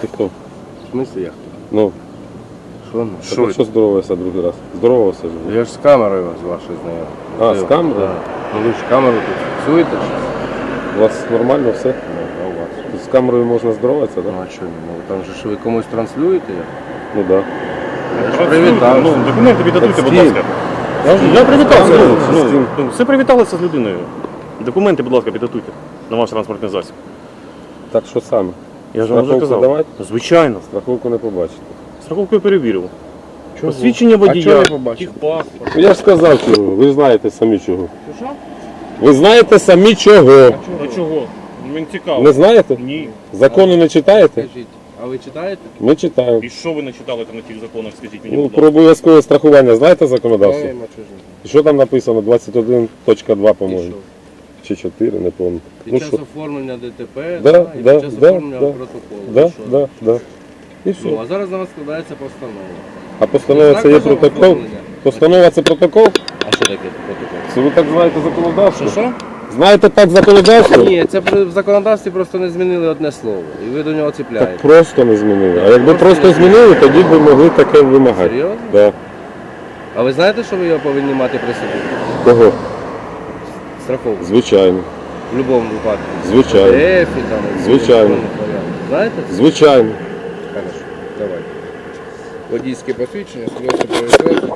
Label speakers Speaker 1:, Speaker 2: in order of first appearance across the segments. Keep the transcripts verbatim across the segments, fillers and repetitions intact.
Speaker 1: Ти хто?
Speaker 2: В смысле я?
Speaker 1: Ну,
Speaker 2: Що? Ну,
Speaker 1: що,
Speaker 2: що?
Speaker 1: що здоровався другий раз? Здоровався ж. ви.
Speaker 2: Я ж з камерою вас вашою знайомий.
Speaker 1: А, з камерою?
Speaker 2: Так. Ну ви ж камеру тут фіксуєте чи?
Speaker 1: У вас нормально все?
Speaker 2: Ну, а у вас?
Speaker 1: Тут з камерою можна здороватися, так?
Speaker 2: Ну а що? Ну там же ж ви комусь транслюєте?
Speaker 1: Ну так.
Speaker 2: Я ж привітався.
Speaker 3: Ну, документи віддадуйте, будь
Speaker 2: З ким?
Speaker 3: ласка. Я привітався.
Speaker 1: Ну,
Speaker 3: Ну,
Speaker 1: з ким?
Speaker 3: ну, все привіталися з людиною. Документи, будь ласка, підготуйте на ваш транспортний засіб.
Speaker 1: Так що саме?
Speaker 3: Я ж вам вже
Speaker 1: Страховку
Speaker 3: казав.
Speaker 1: давати?
Speaker 3: Звичайно.
Speaker 1: Страховку не побачите.
Speaker 3: Страховку я перевірив.
Speaker 2: Чого?
Speaker 3: Посвідчення
Speaker 2: А чого
Speaker 3: водія,
Speaker 2: не побачив?
Speaker 3: техпаспорт.
Speaker 1: Ну я ж сказав чого, ви знаєте самі чого.
Speaker 2: Що?
Speaker 1: Ви знаєте самі чого.
Speaker 3: А чого? Мені цікаво.
Speaker 1: Не знаєте?
Speaker 3: Ні.
Speaker 1: Закони не читаєте?
Speaker 2: Скажіть, а ви читаєте?
Speaker 1: Ми читаємо.
Speaker 3: І що ви не читали там на тих законах, скажіть мені,
Speaker 1: Ну,
Speaker 3: будь
Speaker 1: про
Speaker 3: ласка.
Speaker 1: обов'язкове страхування знаєте законодавство?
Speaker 2: Знаємо, а чого ж ні?
Speaker 1: І що там написано? двадцять один точка два,
Speaker 2: І
Speaker 1: по-моєму.
Speaker 2: що?
Speaker 1: Чи чотири, не пам'ятаю.
Speaker 2: Під
Speaker 1: Ну
Speaker 2: час
Speaker 1: що?
Speaker 2: оформлення ДТП
Speaker 1: Да,
Speaker 2: да, і
Speaker 1: да,
Speaker 2: під час
Speaker 1: да,
Speaker 2: оформлення
Speaker 1: да.
Speaker 2: протоколу.
Speaker 1: Да,
Speaker 2: І що?
Speaker 1: да, да. І все.
Speaker 2: Ну, а зараз на вас складається постанова.
Speaker 1: А постанова це є
Speaker 2: Знак
Speaker 1: протокол?
Speaker 2: оформлення.
Speaker 1: Постанова це протокол?
Speaker 2: А що таке протокол?
Speaker 1: Це ви так знаєте законодавство?
Speaker 2: Що що?
Speaker 1: Знаєте так законодавство?
Speaker 2: Ні, це при- в законодавстві просто не змінили одне слово. І ви до нього
Speaker 1: Так
Speaker 2: ціпляєте.
Speaker 1: просто не змінили. А якби
Speaker 2: Просто
Speaker 1: просто
Speaker 2: не
Speaker 1: змінили, тоді б могли таке вимагати.
Speaker 2: Серйозно?
Speaker 1: Да.
Speaker 2: А ви знаєте, що ви його повинні мати при собі?
Speaker 1: Кого?
Speaker 2: Страховку.
Speaker 1: Звичайно.
Speaker 2: В будь-якому випадку.
Speaker 1: Звичайно.
Speaker 2: ДФ і там. і
Speaker 1: Звичайно.
Speaker 2: електронних варіантів. Знаєте?
Speaker 1: Звичайно.
Speaker 2: Хорошо, давай. Водійське посвідчення, свідоцтво про реєстрацію.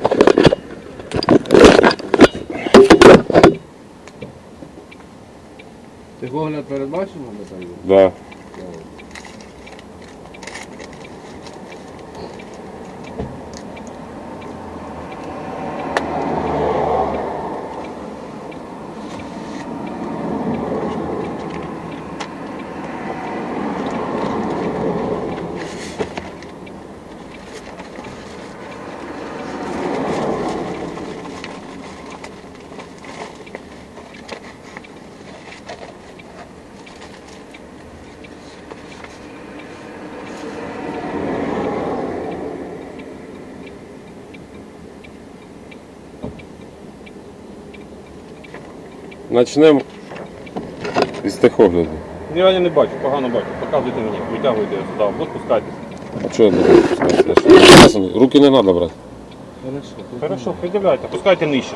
Speaker 2: Техогляд передбачено на сайті?
Speaker 1: Да. Начнемо із техогляду.
Speaker 3: Я я не бачу, погано бачу. Показуйте мені, витягуйте сюди, або спускайтесь.
Speaker 1: А чого не робити? Руки не треба брати.
Speaker 3: Хорошо, придивляйте, пускайте нижче.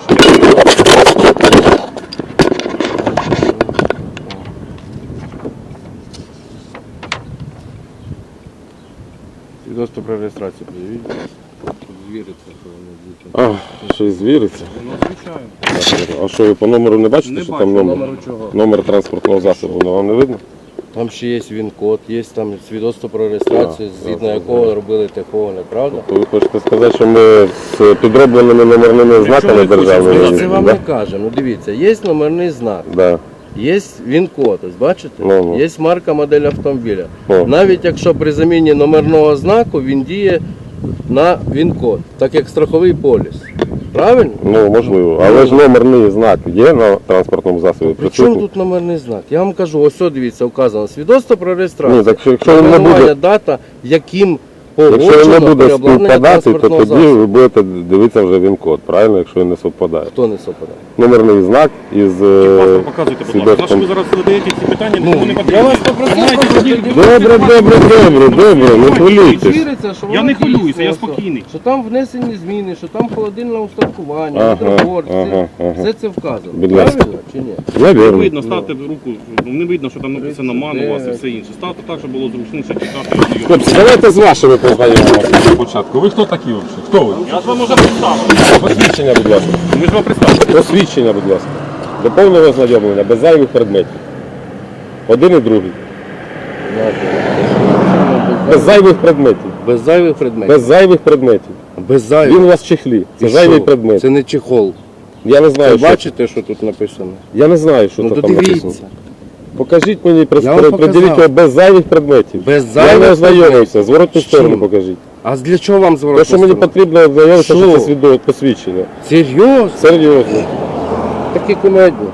Speaker 2: Свідоцтво про реєстрацію пред'явіть. Звіриться, що воно дійсно.
Speaker 1: А, ще й звіриться.
Speaker 2: Ну, звичайно.
Speaker 1: А що, ви по номеру не бачите,
Speaker 2: Не
Speaker 1: що
Speaker 2: бачу
Speaker 1: там номер?
Speaker 2: номеру чого.
Speaker 1: Номер транспортного засобу, воно вам не видно?
Speaker 2: Там ще є він-код, є там свідоцтво про реєстрацію,
Speaker 1: А,
Speaker 2: згідно
Speaker 1: так,
Speaker 2: якого
Speaker 1: так.
Speaker 2: робили техогляд, правда?
Speaker 1: То ви хочете сказати, що ми з підробленими номерними знаками
Speaker 3: ви
Speaker 1: державними
Speaker 3: хочете
Speaker 2: Ми це
Speaker 1: їздимо,
Speaker 2: вам
Speaker 1: да?
Speaker 2: не кажемо. Ну дивіться, є номерний знак,
Speaker 1: Да.
Speaker 2: є він-код, ось бачите?
Speaker 1: Ну, ну.
Speaker 2: Є марка, модель автомобіля.
Speaker 1: О.
Speaker 2: Навіть якщо при заміні номерного знаку він діє на він-код, так як страховий поліс. Правильно?
Speaker 1: Ну, можливо. Але ж номерний знак є на транспортному засобі
Speaker 2: При чому
Speaker 1: присутній?
Speaker 2: тут номерний знак? Я вам кажу, ось, о, дивіться, вказано свідоцтво про реєстрацію.
Speaker 1: Ні, так що якщо він не
Speaker 2: Номерування,
Speaker 1: буде,
Speaker 2: дата, яким
Speaker 1: якщо він не
Speaker 2: погоджено
Speaker 1: буде
Speaker 2: переобладнання
Speaker 1: співпадати, то
Speaker 2: транспортного
Speaker 1: тоді
Speaker 2: засобу.
Speaker 1: ви будете дивитися вже він-код, правильно, якщо він не совпадає.
Speaker 2: Хто не совпадає?
Speaker 1: Номерний знак із е,
Speaker 3: Паспорт показуйте, будь ласка. Наше ви
Speaker 1: свідоцтвом.
Speaker 3: зараз задаєте ці питання,
Speaker 2: Ну,
Speaker 3: нікому не
Speaker 2: я
Speaker 3: потрібно.
Speaker 2: вас попросив
Speaker 3: Знаєте,
Speaker 2: просто
Speaker 3: тоді-
Speaker 2: придивитися.
Speaker 1: Добре, добре, добре, добре, не хвилюйтесь.
Speaker 2: Віриться, що
Speaker 3: Я
Speaker 2: воно
Speaker 3: не хвилююся,
Speaker 2: дійсно,
Speaker 3: я
Speaker 2: ось,
Speaker 3: спокійний.
Speaker 2: Що там внесені зміни, що там холодильне устаткування,
Speaker 1: Ага,
Speaker 2: гідрогор,
Speaker 1: ага,
Speaker 2: все,
Speaker 1: ага.
Speaker 2: все це вказано.
Speaker 1: Будь ласка.
Speaker 2: Правильно чи ні?
Speaker 1: Я
Speaker 3: Не
Speaker 1: вірю.
Speaker 3: видно, ставте руку, ну, не видно, що там написано МАН у вас і все інше. Ставте так, щоб було зручніше читати.
Speaker 1: Хлопці, давайте з вашими познайомимося на початку. Ви хто такі взагалі? Хто ви?
Speaker 3: Я ж вам уже представив.
Speaker 1: Посвідчення, будь ласка.
Speaker 3: Ми ж вам представили.
Speaker 1: Посвідчення, будь ласка. До повного ознайомлення, без зайвих предметів. Один і другий. Без зайвих предметів.
Speaker 2: Без зайвих предметів.
Speaker 1: Без зайвих предметів.
Speaker 2: Без зайвих.
Speaker 1: Він у вас в чехлі. Це
Speaker 2: І
Speaker 1: зайвий
Speaker 2: що?
Speaker 1: предмет.
Speaker 2: Це не чехол.
Speaker 1: Я не знаю,
Speaker 2: Ви
Speaker 1: що.
Speaker 2: бачите, що тут написано?
Speaker 1: Я не знаю, що
Speaker 2: Ну
Speaker 1: то
Speaker 2: то
Speaker 1: там написано.
Speaker 2: дивіться.
Speaker 1: Покажіть мені,
Speaker 2: Я вам
Speaker 1: приділіть
Speaker 2: показав.
Speaker 1: його без зайвих предметів.
Speaker 2: Без
Speaker 1: Я не
Speaker 2: зайвих
Speaker 1: ознайомився. Зворотну
Speaker 2: З
Speaker 1: сторону
Speaker 2: чим?
Speaker 1: покажіть.
Speaker 2: А для чого вам
Speaker 1: Те,
Speaker 2: зворотно?
Speaker 1: що мені потрібно ознайомитися,
Speaker 2: Що?
Speaker 1: що це свідоме посвідчення.
Speaker 2: Серйозно?
Speaker 1: Серйозно.
Speaker 2: Такі кумедні.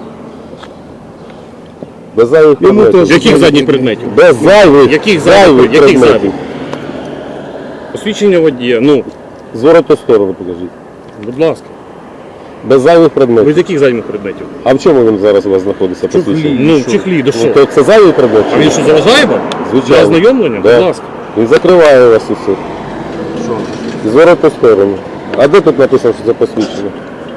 Speaker 1: Без зайвих
Speaker 2: Йому
Speaker 1: предметів.
Speaker 2: теж.
Speaker 3: Яких задніх предметів?
Speaker 1: Без зайвих,
Speaker 3: Яких
Speaker 1: зайвих
Speaker 3: зайвих? Яких
Speaker 1: предметів.
Speaker 3: зайвих? Посвідчення водія, ну,
Speaker 1: Зворотну сторону покажіть.
Speaker 3: будь ласка.
Speaker 1: Без зайвих
Speaker 3: Ви
Speaker 1: предметів.
Speaker 3: з яких зайвих предметів?
Speaker 1: А в чому він зараз у вас знаходиться посвідчення?
Speaker 3: Ну, в чехлі, до
Speaker 1: Ну,
Speaker 3: що?
Speaker 1: то це зайвий предмет? чи
Speaker 3: А він
Speaker 1: ні?
Speaker 3: що, заважає вам? Для
Speaker 1: Звичайно.
Speaker 3: ознайомлення?
Speaker 1: Да.
Speaker 3: Будь ласка.
Speaker 1: Він закриває вас усіх.
Speaker 2: Що?
Speaker 1: Зворотну сторону. А де тут написано, що це посвідчення?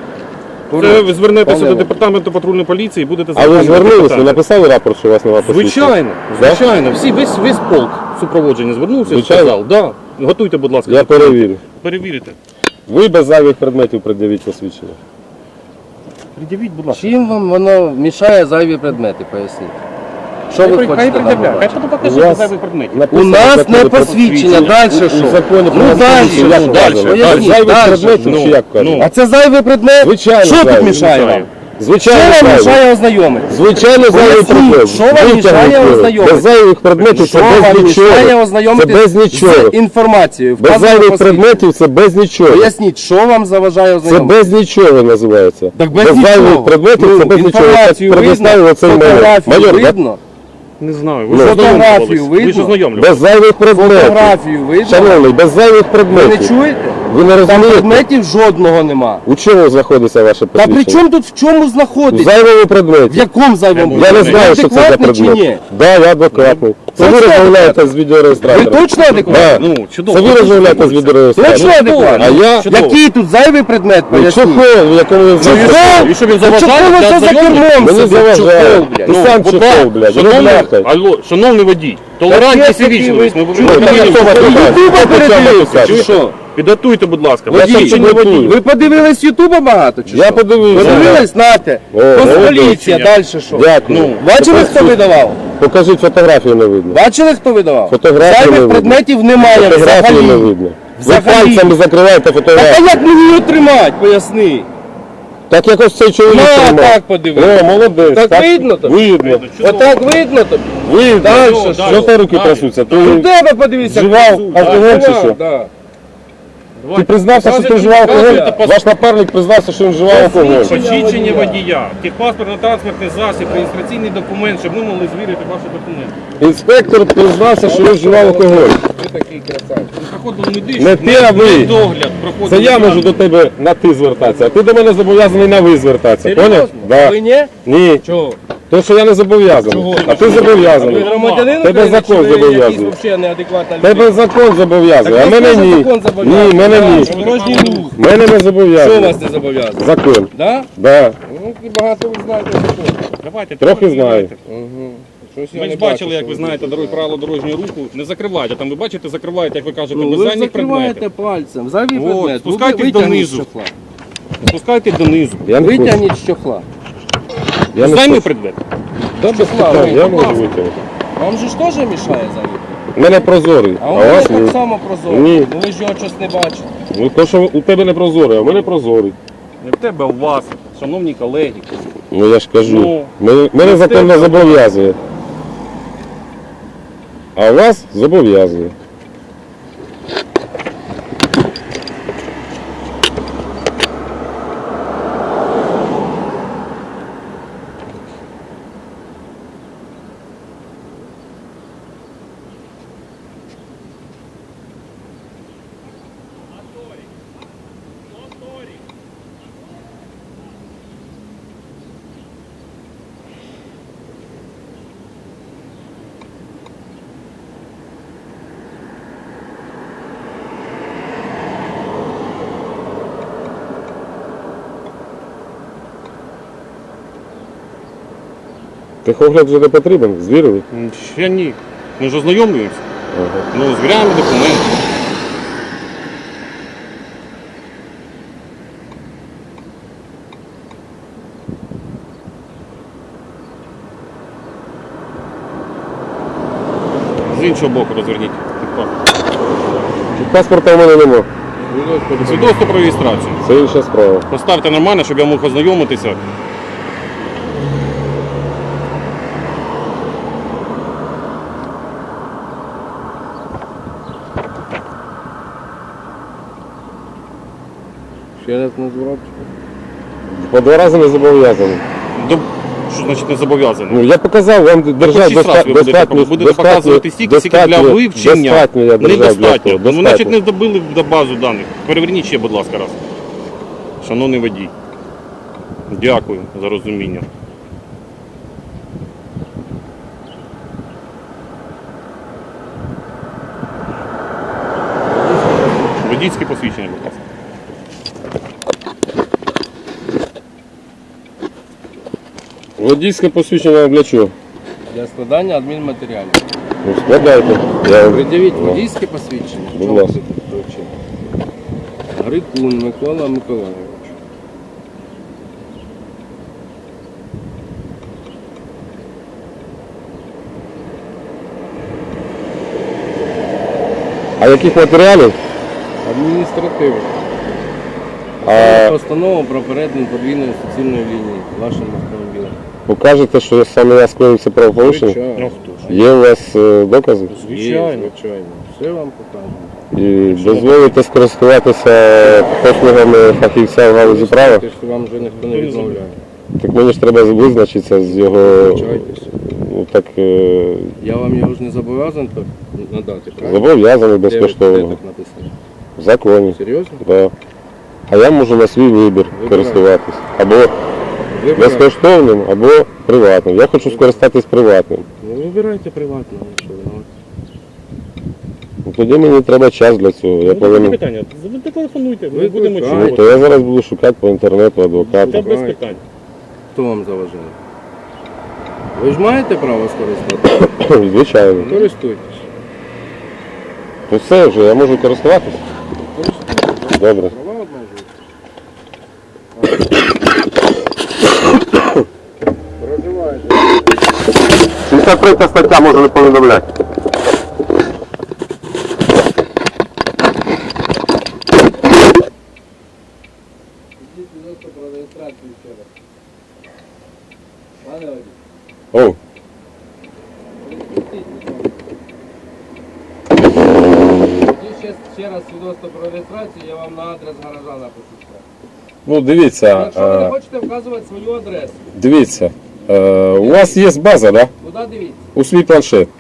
Speaker 3: Це ви звернетеся
Speaker 2: Пане
Speaker 3: до
Speaker 2: Іван.
Speaker 3: департаменту патрульної поліції і будете
Speaker 1: А ви
Speaker 3: запитати
Speaker 1: звернулись, ви
Speaker 3: питання.
Speaker 1: написали рапорт, що у вас немає посвідчення?
Speaker 3: Звичайно,
Speaker 1: Да?
Speaker 3: звичайно. Всі, весь, весь полк супроводження звернувся і
Speaker 1: Звичайно?
Speaker 3: сказав. Да. Готуйте, будь ласка.
Speaker 1: Я
Speaker 3: документи.
Speaker 1: перевірю.
Speaker 3: Перевірите.
Speaker 1: Ви без зайвих предметів пред'явіть посвідчення.
Speaker 3: Пред'явіть, будь ласка.
Speaker 2: Чим вам воно мішає зайві предмети, поясніть? Що ви
Speaker 3: Хай
Speaker 2: хочете там
Speaker 3: пред'являє. Хай
Speaker 2: побачити?
Speaker 3: потім
Speaker 1: У
Speaker 3: покажете
Speaker 1: вас
Speaker 3: зайвий предмет.
Speaker 2: У
Speaker 1: Написано в
Speaker 2: нас
Speaker 1: законі
Speaker 2: не
Speaker 1: про
Speaker 2: посвідчення, далі що?
Speaker 1: У законі про
Speaker 2: Ну далі,
Speaker 1: посвідчення, як
Speaker 2: що?
Speaker 3: далі?
Speaker 1: вказано.
Speaker 2: Поясніть,
Speaker 1: Зайвих
Speaker 2: далі.
Speaker 1: предметів
Speaker 3: Ну,
Speaker 1: чи як
Speaker 3: ну.
Speaker 1: кажуть?
Speaker 2: А це зайвий предмет?
Speaker 1: Звичайно,
Speaker 2: Що тут
Speaker 1: зайвий.
Speaker 2: мішає вам? Що
Speaker 1: Звичайно,
Speaker 2: вам
Speaker 1: зайвий.
Speaker 2: мішає ознайомитися?
Speaker 1: Звичайно, зайвий
Speaker 2: Поясніть,
Speaker 1: предмет.
Speaker 2: що вам мішає
Speaker 1: Витягнути.
Speaker 2: ознайомитися?
Speaker 1: Без зайвих предметів
Speaker 2: Що
Speaker 1: це без
Speaker 2: вам мішає
Speaker 1: нічого. Це
Speaker 2: ознайомитися
Speaker 1: без нічого.
Speaker 2: з інформацією?
Speaker 1: Без
Speaker 2: Вказано
Speaker 1: зайвих
Speaker 2: посвідчення.
Speaker 1: предметів це без нічого.
Speaker 2: Поясніть, що вам заважає
Speaker 1: Це
Speaker 2: ознайомитися?
Speaker 1: без нічого називається.
Speaker 2: Так без нічого.
Speaker 1: зайвих предметів
Speaker 2: Ну,
Speaker 1: це без нічого.
Speaker 2: інформацію
Speaker 1: Так предоставив
Speaker 2: видно,
Speaker 1: оцей майор.
Speaker 2: фотографію
Speaker 1: Майор, да?
Speaker 2: видно,
Speaker 3: Не знаю.
Speaker 1: Ну,
Speaker 3: Ви ж
Speaker 2: фотографію
Speaker 3: ознайомлювались. Ви ж
Speaker 2: видно?
Speaker 3: ознайомлювались.
Speaker 1: Без зайвих предметів.
Speaker 2: фотографію видно.
Speaker 1: Шановний, без зайвих
Speaker 2: Ви не
Speaker 1: предметів.
Speaker 2: чуєте?
Speaker 1: Ви не
Speaker 2: Там
Speaker 1: розумієте?
Speaker 2: предметів жодного нема.
Speaker 1: У чому знаходиться ваше
Speaker 2: Та
Speaker 1: посвідчення?
Speaker 2: при чому тут в чому
Speaker 1: В
Speaker 2: знаходиться?
Speaker 1: зайвому
Speaker 2: В
Speaker 1: предметі.
Speaker 2: якому зайвому?
Speaker 1: Я не
Speaker 2: предметі?
Speaker 1: знаю, що це за
Speaker 2: Адекватний чи
Speaker 1: предмет.
Speaker 2: ні?
Speaker 1: Да, я адекватний. Це ви
Speaker 2: Точно
Speaker 1: розмовляєте з
Speaker 2: Ви
Speaker 1: відеореєстратором.
Speaker 2: точно адекватний?
Speaker 1: Да.
Speaker 3: Ну, чудово.
Speaker 1: Це ви розмовляєте з
Speaker 2: Точно
Speaker 1: відеореєстратором.
Speaker 2: адекватний?
Speaker 1: А я...
Speaker 3: Чудово.
Speaker 2: Який тут зайвий предмет,
Speaker 1: Ну,
Speaker 2: поясніть?
Speaker 1: чохол, в якому ви знаходитесь.
Speaker 3: І що він
Speaker 2: Та
Speaker 3: заважає
Speaker 2: чого
Speaker 3: для
Speaker 2: ви це за
Speaker 3: ознайомлення?
Speaker 2: кермом
Speaker 1: Мені
Speaker 2: собі?
Speaker 1: заважає.
Speaker 2: Чохол, блядь.
Speaker 1: Ти
Speaker 3: Ну,
Speaker 1: сам
Speaker 3: будь
Speaker 1: чохол,
Speaker 3: ласка,
Speaker 1: блядь. Ну,
Speaker 3: шановний,
Speaker 1: бляхай.
Speaker 3: алло, шановний водій, толерантність і
Speaker 2: Таке
Speaker 3: вічливість. Ми
Speaker 2: собі
Speaker 3: ви-
Speaker 1: Ну, так
Speaker 3: ви-
Speaker 1: а хто вас
Speaker 3: ви-
Speaker 1: питає?
Speaker 2: Ютуба
Speaker 1: Хто почав
Speaker 2: передивився,
Speaker 1: написати?
Speaker 2: чи що?
Speaker 3: Підготуйте, будь ласка.
Speaker 1: Я
Speaker 3: Водій
Speaker 1: ще
Speaker 3: чи не
Speaker 1: підготую.
Speaker 3: водій?
Speaker 2: Ви подивились Ютуба багато, чи
Speaker 1: Я
Speaker 2: що?
Speaker 1: подивився.
Speaker 2: Подивились, нате.
Speaker 1: О, молодець.
Speaker 2: Поліція, далі що?
Speaker 1: Дякую.
Speaker 3: Ну,
Speaker 2: Бачили, хто видавав?
Speaker 1: Покажіть фотографію, не видно.
Speaker 2: Бачили, хто видавав?
Speaker 1: Фотографію не
Speaker 2: Зайвих
Speaker 1: видно.
Speaker 2: предметів немає
Speaker 1: Фотографію не
Speaker 2: взагалі.
Speaker 1: видно. Ви
Speaker 2: Взагалі.
Speaker 1: пальцями закриваєте
Speaker 2: Так а
Speaker 1: фотографію.
Speaker 2: як мені її тримати, поясни?
Speaker 1: Так якось цей чоловік
Speaker 2: На,
Speaker 1: тримав.
Speaker 2: так подивись.
Speaker 1: О, молодець.
Speaker 2: Так видно тобі?
Speaker 1: Видно.
Speaker 2: Отак видно тобі?
Speaker 1: Видно.
Speaker 2: Дальше
Speaker 3: Чудово,
Speaker 2: що?
Speaker 3: далі.
Speaker 1: Що ти руки
Speaker 3: Далі.
Speaker 1: трясуться?
Speaker 2: У
Speaker 1: Ти
Speaker 2: тебе подивися.
Speaker 1: вживав алкоголь чи що?
Speaker 2: Да.
Speaker 1: Ти признався, що ти вживав алкоголь? Ваш напарник признався, що він вживав алкоголь.
Speaker 3: Посвідчення водія, техпаспортно-транспортний засіб, реєстраційний документ, щоб ми могли звірити ваші документи.
Speaker 1: Інспектор признався, що він вживав алкоголь.
Speaker 2: Ви такий красавчик.
Speaker 3: Проходили медичний
Speaker 1: Не ти, а ви.
Speaker 3: догляд. проходили
Speaker 1: Це я
Speaker 3: догляд.
Speaker 1: можу до тебе на ти звертатися, а ти до мене зобов'язаний на ви звертатися. Поняв?
Speaker 2: Серйозно?
Speaker 1: Да.
Speaker 2: Ви ні?
Speaker 1: Ні.
Speaker 2: Чого?
Speaker 1: То, що я не зобов'язаний. А ти
Speaker 2: Ви
Speaker 1: зобов'язаний.
Speaker 2: громадянин
Speaker 1: Тебе
Speaker 2: України,
Speaker 1: закон
Speaker 2: чи ви
Speaker 1: зобов'язує.
Speaker 2: якийсь взагалі неадекватна людина?
Speaker 1: Тебе закон зобов'язує, а
Speaker 2: Так
Speaker 1: мене
Speaker 2: вас теж
Speaker 1: ні.
Speaker 2: закон зобов'язує.
Speaker 1: Ні, мене
Speaker 2: Да,
Speaker 1: ні.
Speaker 2: що Дорожній рух.
Speaker 1: Мене не
Speaker 2: Що
Speaker 1: зобов'язує.
Speaker 2: вас не зобов'язує?
Speaker 1: Закон.
Speaker 2: Да?
Speaker 1: Да.
Speaker 2: Ну, багато ви знаєте закон.
Speaker 3: Давайте,
Speaker 1: Трохи
Speaker 3: перевіряйте.
Speaker 1: знаю.
Speaker 2: Угу. Щось я
Speaker 3: Ми
Speaker 2: не
Speaker 3: ж бачили,
Speaker 2: бачу,
Speaker 3: як
Speaker 2: що
Speaker 3: ви знаєте, дорогі правила дорожнього руху. Не закривайте. Там ви бачите, закриваєте, як ви кажете,
Speaker 2: Ну,
Speaker 3: без
Speaker 2: ви
Speaker 3: задніх
Speaker 2: закриваєте
Speaker 3: предметів.
Speaker 2: пальцем. Зайвий
Speaker 3: От,
Speaker 2: предмет. Ви
Speaker 3: спускайтесь
Speaker 2: витягніть
Speaker 3: донизу.
Speaker 2: з чохла.
Speaker 3: Спускайте донизу.
Speaker 1: Я не хочу.
Speaker 2: Витягніть з чохла.
Speaker 1: Я не
Speaker 3: Займи
Speaker 1: хочу.
Speaker 3: предмет.
Speaker 1: Да, без
Speaker 2: Чохла,
Speaker 1: питань,
Speaker 2: ну,
Speaker 1: я
Speaker 2: будь
Speaker 1: можу
Speaker 2: ласка.
Speaker 1: витягнути.
Speaker 2: Вам же ж теж мішає зайвий?
Speaker 1: У мене прозорий,
Speaker 2: А
Speaker 1: а
Speaker 2: у
Speaker 1: у
Speaker 2: мене
Speaker 1: вас
Speaker 2: так
Speaker 1: ні.
Speaker 2: само прозоро.
Speaker 1: Ні.
Speaker 2: Ну ви ж його щось не бачите.
Speaker 1: Ну то, що у тебе не прозорий, а у мене прозорий.
Speaker 3: Не в тебе, а у вас, шановні колеги.
Speaker 1: Ну я ж кажу.
Speaker 3: Ну,
Speaker 1: Мене, мене
Speaker 3: ну,
Speaker 1: закон не
Speaker 3: ти-
Speaker 1: зобов'язує. А вас зобов'язує. Техогляд вже не потрібен, звірили?
Speaker 3: М, Ще ні. Ми ж ознайомлюємося.
Speaker 1: Ага.
Speaker 3: Ну, звіряємо документи. З іншого боку розверніть.
Speaker 1: Паспорта в мене нема.
Speaker 3: Свідоцтво про реєстрацію.
Speaker 1: Це інша справа.
Speaker 3: Поставте нормально, щоб я мог ознайомитися.
Speaker 2: Ще раз назвав.
Speaker 1: По два рази не зобов'язаний.
Speaker 3: До... Що значить не зобов'язаний?
Speaker 1: Ну я показав вам держав
Speaker 3: шість раз ви будете,
Speaker 1: достатньо.
Speaker 3: будете показувати стільки, скільки для вивчення.
Speaker 1: Достатньо я держав для
Speaker 3: Недостатньо.
Speaker 1: того.
Speaker 3: Ну, значить, не добили до базу даних. Переверніть ще, будь ласка, раз. Шановний водій. Дякую за розуміння. Водійське посвідчення, будь ласка.
Speaker 1: Водійське посвідчення для чого?
Speaker 2: Для складання адмінматеріалів.
Speaker 1: Ну, складайте. Я...
Speaker 2: Придивіть
Speaker 1: Ну.
Speaker 2: водійське посвідчення.
Speaker 1: Будь
Speaker 2: Чому
Speaker 1: ласка.
Speaker 2: ви тут вручили? Грикун Микола Миколайович.
Speaker 1: А яких матеріалів?
Speaker 2: Адміністративно.
Speaker 1: А
Speaker 2: Постанова про перетин подвійної суцільної лінії вашим автомобілем.
Speaker 1: покажете, що саме я скоїв це правопорушення?
Speaker 2: Звичайно.
Speaker 3: Ну хто ж?
Speaker 1: Є у вас е, докази?
Speaker 2: Звичайно. Звичайно. Все вам покажемо.
Speaker 1: І дозволите скористуватися послугами фахівця в галузі права?
Speaker 2: Що вам вже ніхто не відмовляє.
Speaker 1: Так мені ж треба визначитися з його.
Speaker 2: Вибачайтеся.
Speaker 1: Ну так е,
Speaker 2: Я вам його ж не зобов'язаний так надати, правильно?
Speaker 1: зобов'язаний
Speaker 2: Де ви- де
Speaker 1: безкоштовно.
Speaker 2: так написано?
Speaker 1: В законі.
Speaker 2: Серйозно?
Speaker 1: Да. А я можу на свій вибір
Speaker 2: Вибирайте.
Speaker 1: користуватись. Або
Speaker 2: Вибирайте.
Speaker 1: безкоштовним, або приватним. Я хочу скористатись приватним.
Speaker 2: Ну, вибирайте приватно, що ви. ну.
Speaker 1: Ну, тоді мені треба час для цього. Я
Speaker 3: Ну, таке
Speaker 1: повинен.
Speaker 3: питання. Ви телефонуйте, ми
Speaker 2: Ви
Speaker 3: будемо
Speaker 2: викликайте.
Speaker 1: Ну,
Speaker 3: чути.
Speaker 1: то я зараз буду шукати по інтернету
Speaker 3: Та
Speaker 1: адвоката.
Speaker 3: без питань.
Speaker 2: Хто вам заважає? Ви ж маєте право скористатися?
Speaker 1: Звичайно.
Speaker 2: Користуйтесь.
Speaker 1: То все вже, я можу користуватись?
Speaker 2: Користуйтесь.
Speaker 1: Добре.
Speaker 2: Права обмежують. Проживаєте.
Speaker 1: сімдесят третя стаття може не повідомляти.
Speaker 2: Ідіть, будь ласка, про реєстрацію ще раз. Пане Вадим,
Speaker 1: О,
Speaker 2: відпустіть, будь ласка. Тоді ще, ще раз свідоцтво про реєстрацію, я вам на адрес гаража напишу.
Speaker 1: ну дивіться,
Speaker 2: Якщо ви не
Speaker 1: е,
Speaker 2: хочете вказувати свою адресу,
Speaker 1: дивіться. Е, у вас є база, да?
Speaker 2: куди дивіться?
Speaker 1: У свій планшет.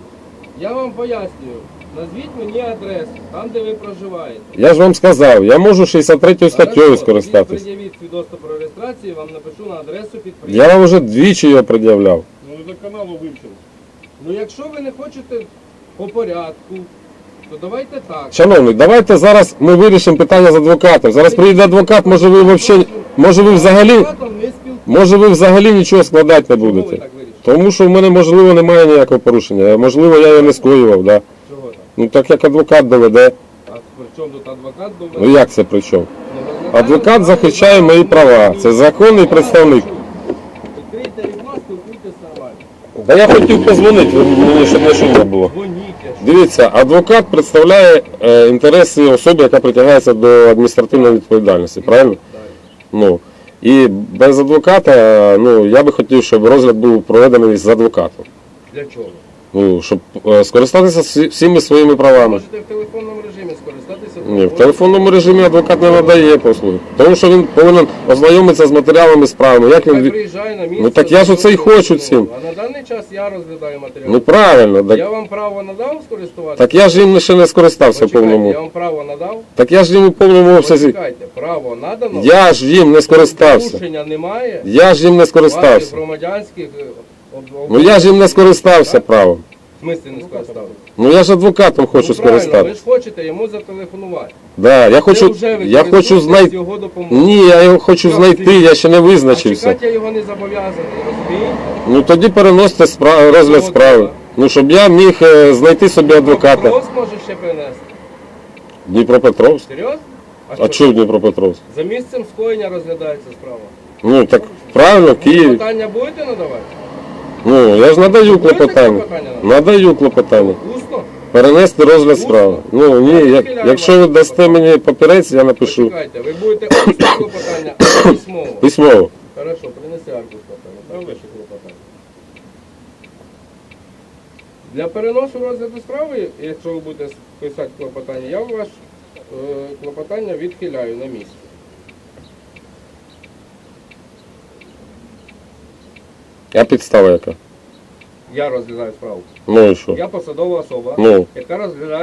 Speaker 2: Я вам пояснюю. Назвіть мені адресу, там де ви проживаєте.
Speaker 1: Я ж вам сказав, я можу шістдесят третьою статтею
Speaker 2: Хорошо,
Speaker 1: скористатись.
Speaker 2: тоді Пред'явіть свідоцтво про реєстрацію, вам напишу на адресу
Speaker 1: Я
Speaker 2: підприємства.
Speaker 1: вам вже двічі його пред'являв.
Speaker 3: Ну, за каналу вивчили.
Speaker 2: Ну якщо ви не хочете по порядку, то давайте так.
Speaker 1: Шановний, давайте зараз ми вирішимо питання з адвокатом. Зараз приїде адвокат, може ви взагалі, може ви взагалі,
Speaker 2: Адвокатом не спілкуйтесь.
Speaker 1: може ви взагалі нічого складати не
Speaker 2: Чому ви
Speaker 1: будете.
Speaker 2: так вирішили?
Speaker 1: Тому що в мене, можливо, немає ніякого порушення. Можливо, я його не скоював, да.
Speaker 2: Чого так?
Speaker 1: Ну так як адвокат доведе.
Speaker 2: А при чому тут адвокат
Speaker 1: Ну
Speaker 2: думає?
Speaker 1: як це при чому? Адвокат захищає мої права. Це законний представник.
Speaker 2: Відкрийте вікно, спілкуйтесь нормально.
Speaker 1: Та я хотів позвонити, мені щоб не шумно було.
Speaker 2: Дзвоніть.
Speaker 1: Дивіться, адвокат представляє е, інтереси особи, яка притягається до адміністративної відповідальності, правильно?
Speaker 2: Так.
Speaker 1: Ну, і без адвоката, ну, я би хотів, щоб розгляд був проведений з адвокатом.
Speaker 2: Для чого?
Speaker 1: Ну, щоб е, скористатися всі- всіми своїми правами.
Speaker 2: Можете в телефонному режимі скористатися.
Speaker 1: Ні, в телефонному режимі адвокат не надає послуги. Тому що він повинен ознайомитися з матеріалами справи. Як
Speaker 2: Хай
Speaker 1: він... від-
Speaker 2: приїжджає на місце.
Speaker 1: Ну, так я ж оце й хочу цим.
Speaker 2: А на даний час я розглядаю матеріал.
Speaker 1: Ну правильно, так,
Speaker 2: Я вам право надав скористуватися?
Speaker 1: так я ж їм ще не скористався в
Speaker 2: Почекайте,
Speaker 1: повному.
Speaker 2: я вам право надав?
Speaker 1: Так я ж їм у повному обсязі.
Speaker 2: Почекайте, право надано?
Speaker 1: Я ж їм не скористався.
Speaker 2: Порушення немає?
Speaker 1: Я ж їм не
Speaker 2: Ваших
Speaker 1: скористався.
Speaker 2: громадянських... е, об- об-
Speaker 1: Ну я ж їм не скористався правом.
Speaker 2: В смислі не скористався?
Speaker 1: Ну я ж адвокатом хочу
Speaker 2: Ну, правильно, ви
Speaker 1: скористатися.
Speaker 2: ж хочете йому зателефонувати.
Speaker 1: Да, я хочу,
Speaker 2: Ви вже
Speaker 1: я хочу
Speaker 2: використовуєте
Speaker 1: знайти.
Speaker 2: його допомогу.
Speaker 1: Ні, я його хочу знайти, я ще не
Speaker 2: А
Speaker 1: визначився.
Speaker 2: чекати я його не зобов'язаний, розумієте?
Speaker 1: Ну тоді переносите спра- розгляд справи. Ну щоб я міг е, знайти собі адвоката.
Speaker 2: Дніпропетровськ може ще принести.
Speaker 1: Дніпропетровськ?
Speaker 2: Серйозно?
Speaker 1: А чого Дніпропетровськ?
Speaker 2: За місцем скоєння розглядається справа.
Speaker 1: Ну так правильно, Київ.
Speaker 2: Питання будете надавати?
Speaker 1: Ну я ж надаю
Speaker 2: Будете
Speaker 1: клопотання.
Speaker 2: клопотання надавати?
Speaker 1: Надаю клопотання.
Speaker 2: Усно?
Speaker 1: Перенести розгляд справи. Ну ні, як, якщо ви дасте мені папірець, я напишу
Speaker 2: Почекайте, ви будете усно клопотання, а письмово.
Speaker 1: письмово.
Speaker 2: Хорошо, принеси аркуш клопотання. Правда, що клопотання? Для переносу розгляду справи, якщо ви будете писати клопотання, я ваше е, клопотання відхиляю на місці.
Speaker 1: А підстава яка?
Speaker 2: Я розглядаю справу.
Speaker 1: Ну і що?
Speaker 2: Я посадова особа,
Speaker 1: Ну.
Speaker 2: яка розглядає